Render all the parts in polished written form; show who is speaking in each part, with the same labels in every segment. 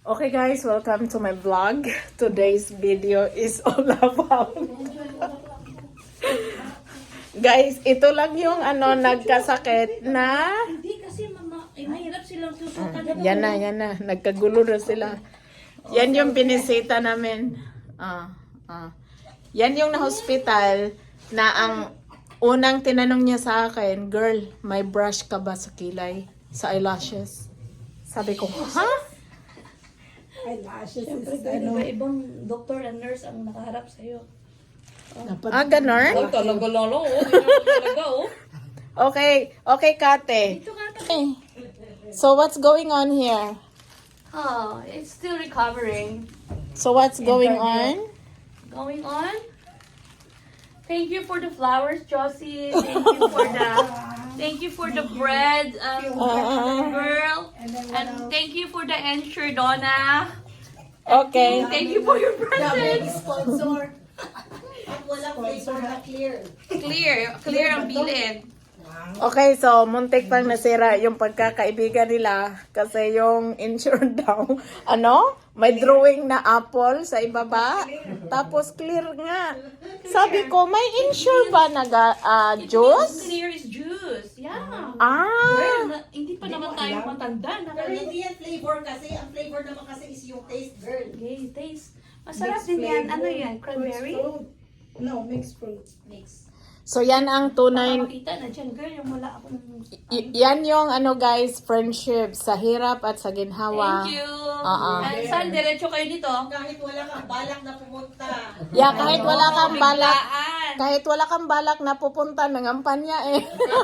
Speaker 1: Okay guys, welcome to my vlog. Today's video is all about guys, ito lang yung nagkasakit na
Speaker 2: Hindi kasi mama, mahirap silang susukan.
Speaker 1: yan na, nagkagulo na sila. Yan yung binisita namin. Yan yung na-hospital na ang unang tinanong niya sa akin, girl, may brush ka ba sa kilay? Sa eyelashes? Sabi ko, ha?
Speaker 3: Eyelashes
Speaker 2: Siyempre,
Speaker 3: is ano.
Speaker 2: ibang doktor and nurse ang nakaharap sa'yo.
Speaker 1: Ganon?
Speaker 2: Talaga lang, oh. Talaga, oh.
Speaker 1: Okay, Kate.
Speaker 2: Ito nga,
Speaker 1: Okay. So what's going on here?
Speaker 2: oh, it's still recovering.
Speaker 1: So what's going on?
Speaker 2: Going on? Thank you for the flowers, Josie. Thank you for the bread, girl. And thank you for the ensure, Donna.
Speaker 1: Okay.
Speaker 2: Thank you for your presents.
Speaker 3: Sponsor. At walang flavor na clear.
Speaker 2: Clear ang bilin.
Speaker 1: Okay, so muntik pang nasira yung pagkakaibigan nila kasi yung insured daw, may drawing na apple sa ibaba, tapos clear nga. Sabi ko, may insure ba na juice?
Speaker 2: Clear is juice. Yeah.
Speaker 1: Ah,
Speaker 2: Hindi pa naman tayo matanda.
Speaker 3: Pero hindi yan flavor kasi. Ang flavor naman kasi is yung taste, girl.
Speaker 2: Okay, taste. Masarap din yan. Ano yan? Cranberry?
Speaker 3: No, mixed fruit.
Speaker 2: Mix.
Speaker 1: so yan ang tunay,
Speaker 2: Makita na dyan, girl. Yung wala akong...
Speaker 1: yan yung guys, friendship sa hirap at sa ginhawa.
Speaker 2: Thank you.
Speaker 1: Ah.
Speaker 2: And saan diretso kayo dito?
Speaker 3: Kahit wala kang balak na pumunta.
Speaker 1: Yeah, kahit wala kang balak,
Speaker 2: Biglaan.
Speaker 1: kahit wala kang balak na pupunta, nangampanya eh.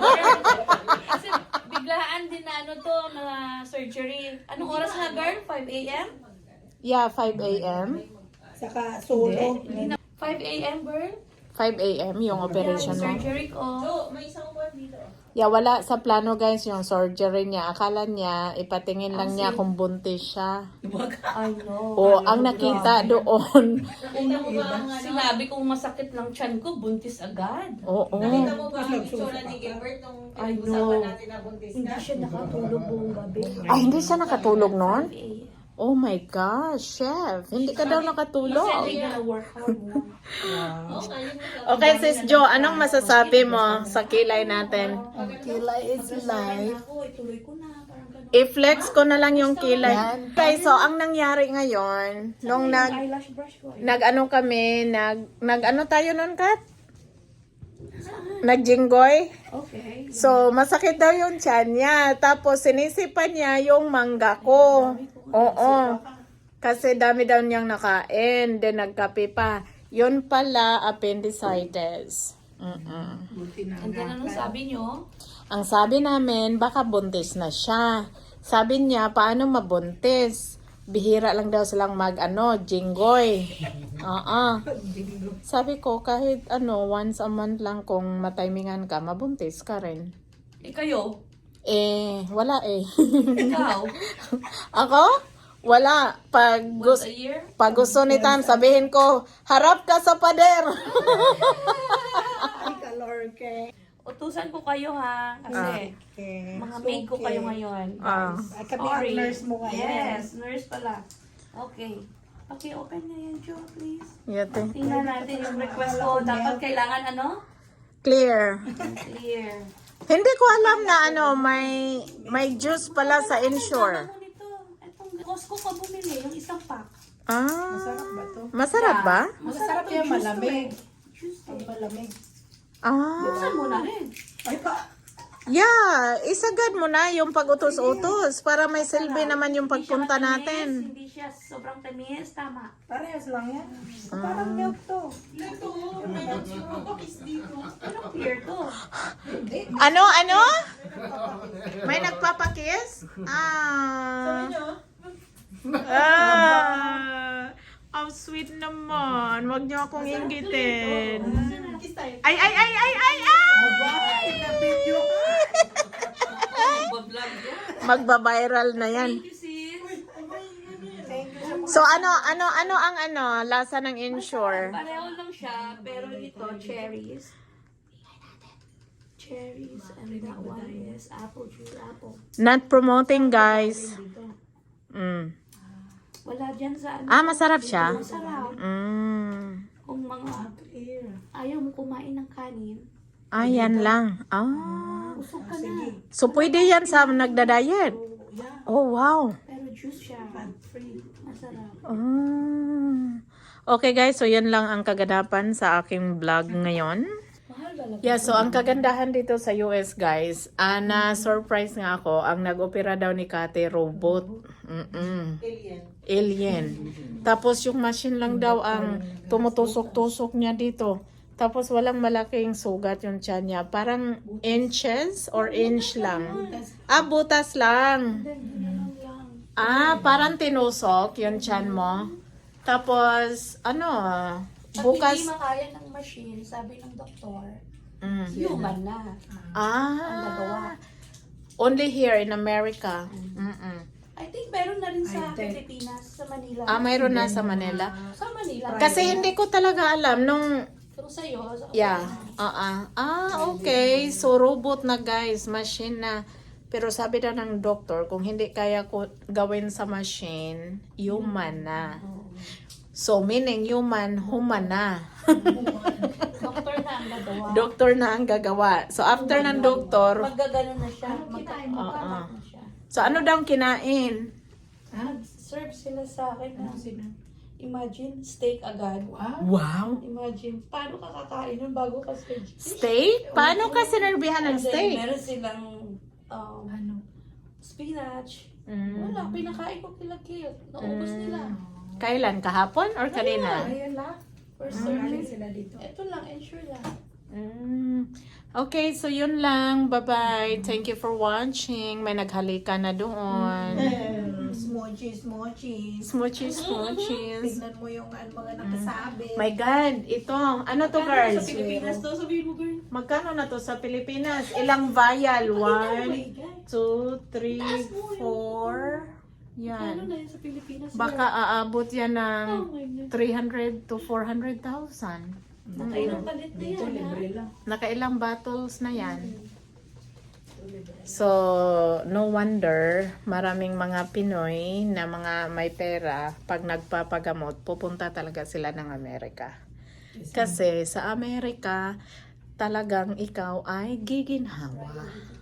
Speaker 2: Kasi biglaan din na na surgery. Anong oras na, girl? 5 a.m.?
Speaker 1: Yeah, 5 a.m.
Speaker 3: Saka solo.
Speaker 2: 5 a.m., girl?
Speaker 1: 5 a.m. yung operation mo.
Speaker 2: Surgery ko.
Speaker 3: So, may isang buwan dito.
Speaker 1: Yeah, wala sa plano guys yung surgery niya. Akala niya, ipatingin lang niya kung buntis siya.
Speaker 2: I know.
Speaker 1: O, ang nakita doon.
Speaker 3: Nakita mo ba ang
Speaker 2: Sinabi kong masakit lang tiyan ko, buntis agad.
Speaker 1: Oo.
Speaker 3: Nakita mo ba ang itsura ni Gilbert nung
Speaker 2: I know.
Speaker 3: pinag-usapan natin na buntis
Speaker 2: Hindi
Speaker 3: ka?
Speaker 2: siya nakatulog buong gabi.
Speaker 1: Ay, hindi siya nakatulog noon?
Speaker 2: 5 a.m.
Speaker 1: Oh my gosh, chef. Hindi ka daw
Speaker 2: Said
Speaker 1: nakatulog.
Speaker 2: they're gonna work hard now.
Speaker 1: Okay, sis Jo, anong masasabi mo sa kilay natin?
Speaker 3: Kilay is life.
Speaker 2: Ako, ituloy ko na. Parang ganun.
Speaker 1: I-flex ko na lang yung kilay. Okay, so ang nangyari ngayon, nung
Speaker 2: Yung eyelash brush ko.
Speaker 1: kami, nag-ano tayo nun, Kat? Nagjinggoy?
Speaker 2: Okay.
Speaker 1: So, masakit daw yung tiyan niya. Tapos, sinisipan niya yung mangga ko. Oo. Kasi dami daw niyang nakain. Then, nagkape pa. Yun pala, appendicitis.
Speaker 2: And then, anong sabi nyo?
Speaker 1: Ang sabi namin, baka buntis na siya. Sabi niya, paano mabuntis? Bihira lang daw silang jinggoy. Sabi ko, kahit once a month lang kung matimingan ka, mabuntis ka rin.
Speaker 2: Kayo?
Speaker 1: Wala eh.
Speaker 2: Ikaw?
Speaker 1: Ako? Wala.
Speaker 2: Once a year?
Speaker 1: Pag gusto ni Tam, sabihin ko, harap ka sa pader.
Speaker 3: Ay, kalor ke.
Speaker 2: Utusan ko kayo ha. Kasi mga maid ko kayo ngayon.
Speaker 3: Ay, kami ang nurse mo ngayon.
Speaker 2: Yes, nurse pala. Okay. Okay, open na yan, Joe, please.
Speaker 1: Yate.
Speaker 2: Tingnan natin yung request ko. Dapat kailangan
Speaker 1: Clear.
Speaker 2: Clear.
Speaker 1: Hindi ko alam na may juice pala sa insure.
Speaker 2: Ano nito? Itong Costco ka bumili, yung isang pack.
Speaker 3: Masarap ba to?
Speaker 1: Masarap ba?
Speaker 3: Masarap yan, malamig.
Speaker 2: Juice to.
Speaker 3: Pag malamig.
Speaker 2: Buksan mo na rin.
Speaker 3: Ay pa.
Speaker 1: Yeah, isagad mo na yung pag-utos-utos para may silbi naman yung pagpunta natin.
Speaker 2: Hindi siya sobrang tamis. Tama.
Speaker 3: Parehas lang yan. Parang milk to.
Speaker 2: Anong clear to?
Speaker 1: Ano? May nagpapakiss? Ang sweet naman. Huwag niyo akong inggitin.
Speaker 3: Kiss tayo.
Speaker 1: Ay!
Speaker 3: Na-video ka.
Speaker 2: Bablog yan.
Speaker 1: Magba-viral na yan.
Speaker 2: Thank you, sis.
Speaker 3: Thank you.
Speaker 1: So ano ang lasa ng insure?
Speaker 2: Pareho lang siya, pero ito, cherries. Cherries, and that one is apple juice, apple.
Speaker 1: Not promoting, guys.
Speaker 2: Dito.
Speaker 1: Mm.
Speaker 2: Wala dyan sa ano.
Speaker 1: Ah, masarap siya?
Speaker 2: Masarap. Kung mga ayaw mo kumain ng kanin,
Speaker 1: Ah, yan lang. Ah.
Speaker 2: usok ka na.
Speaker 1: So, pwede yan sa nagda-diet? Oh, wow.
Speaker 2: Pero juice siya. Free. Masarap.
Speaker 1: Ah. Okay guys, so yan lang ang kaganapan sa aking vlog ngayon.
Speaker 2: Mahal ba lang?
Speaker 1: Yeah, so ang kagandahan dito sa US guys, na-surprise nga ako, ang nag-opera daw ni Kate, robot. Alien. Tapos yung machine lang daw ang tumutusok-tusok niya dito. Tapos walang malaking sugat yung tiyan niya. Parang inches or inch lang. Ah, butas lang. Ah, parang tinusok yung tiyan mo. Tapos, ano,
Speaker 2: Pag
Speaker 1: bukas...
Speaker 2: hindi makaya ng machine, sabi ng doktor,
Speaker 1: Mm.
Speaker 2: human na. Ang nagawa.
Speaker 1: Ah, only here in America. Mm-mm.
Speaker 2: I think meron na rin sa Pilipinas, sa Manila.
Speaker 1: Ah, mayroon na sa Manila.
Speaker 2: Sa Manila.
Speaker 1: Kasi hindi ko talaga alam nung...
Speaker 2: Kung sa'yo,
Speaker 1: Yeah. Okay. So, robot na guys. Machine na. Pero sabi daw ng doktor, kung hindi kaya ko gawin sa machine, human na. So, meaning human na.
Speaker 2: doktor na ang gagawa.
Speaker 1: Doktor na ang gagawa. So, after ng doktor,
Speaker 2: Maggagano na siya. Magkakalat na siya.
Speaker 1: so ano daw kinain?
Speaker 2: Serve sila sa akin na imagine, steak agad.
Speaker 1: Wow.
Speaker 2: Imagine, paano ka kakain nun bago ka
Speaker 1: Steak? Paano ka sinerbihan ng steak?
Speaker 2: Meron silang spinach. Wala, pinakain ko kila Kil. Naubos nila.
Speaker 1: Kailan? Kahapon or kanina?
Speaker 2: Ayun lang. First service. Ito lang, ensure lang.
Speaker 1: Okay, so yun lang. Bye-bye. Thank you for watching. May naghalika na doon.
Speaker 3: Smoochies.
Speaker 1: Smoochies.
Speaker 3: Tignan mo yung mga nakasabi.
Speaker 1: My God, ito. Ano to, girls?
Speaker 2: Sa Pilipinas to, sabihin mo, girl.
Speaker 1: Magkano na to sa Pilipinas? Ilang vial? 1, 2, 3, 4.
Speaker 2: Ano
Speaker 1: Yan.
Speaker 2: na yun sa Pilipinas?
Speaker 1: Baka aabot yan ng
Speaker 2: Oh my God.
Speaker 1: 300 to 400,000.
Speaker 2: Nakailang palit na yan.
Speaker 1: Nakailang bottles na yan. So, no wonder maraming mga Pinoy na mga may pera, pag nagpapagamot, pupunta talaga sila ng Amerika. Kasi sa Amerika, talagang ikaw ay giginhawa.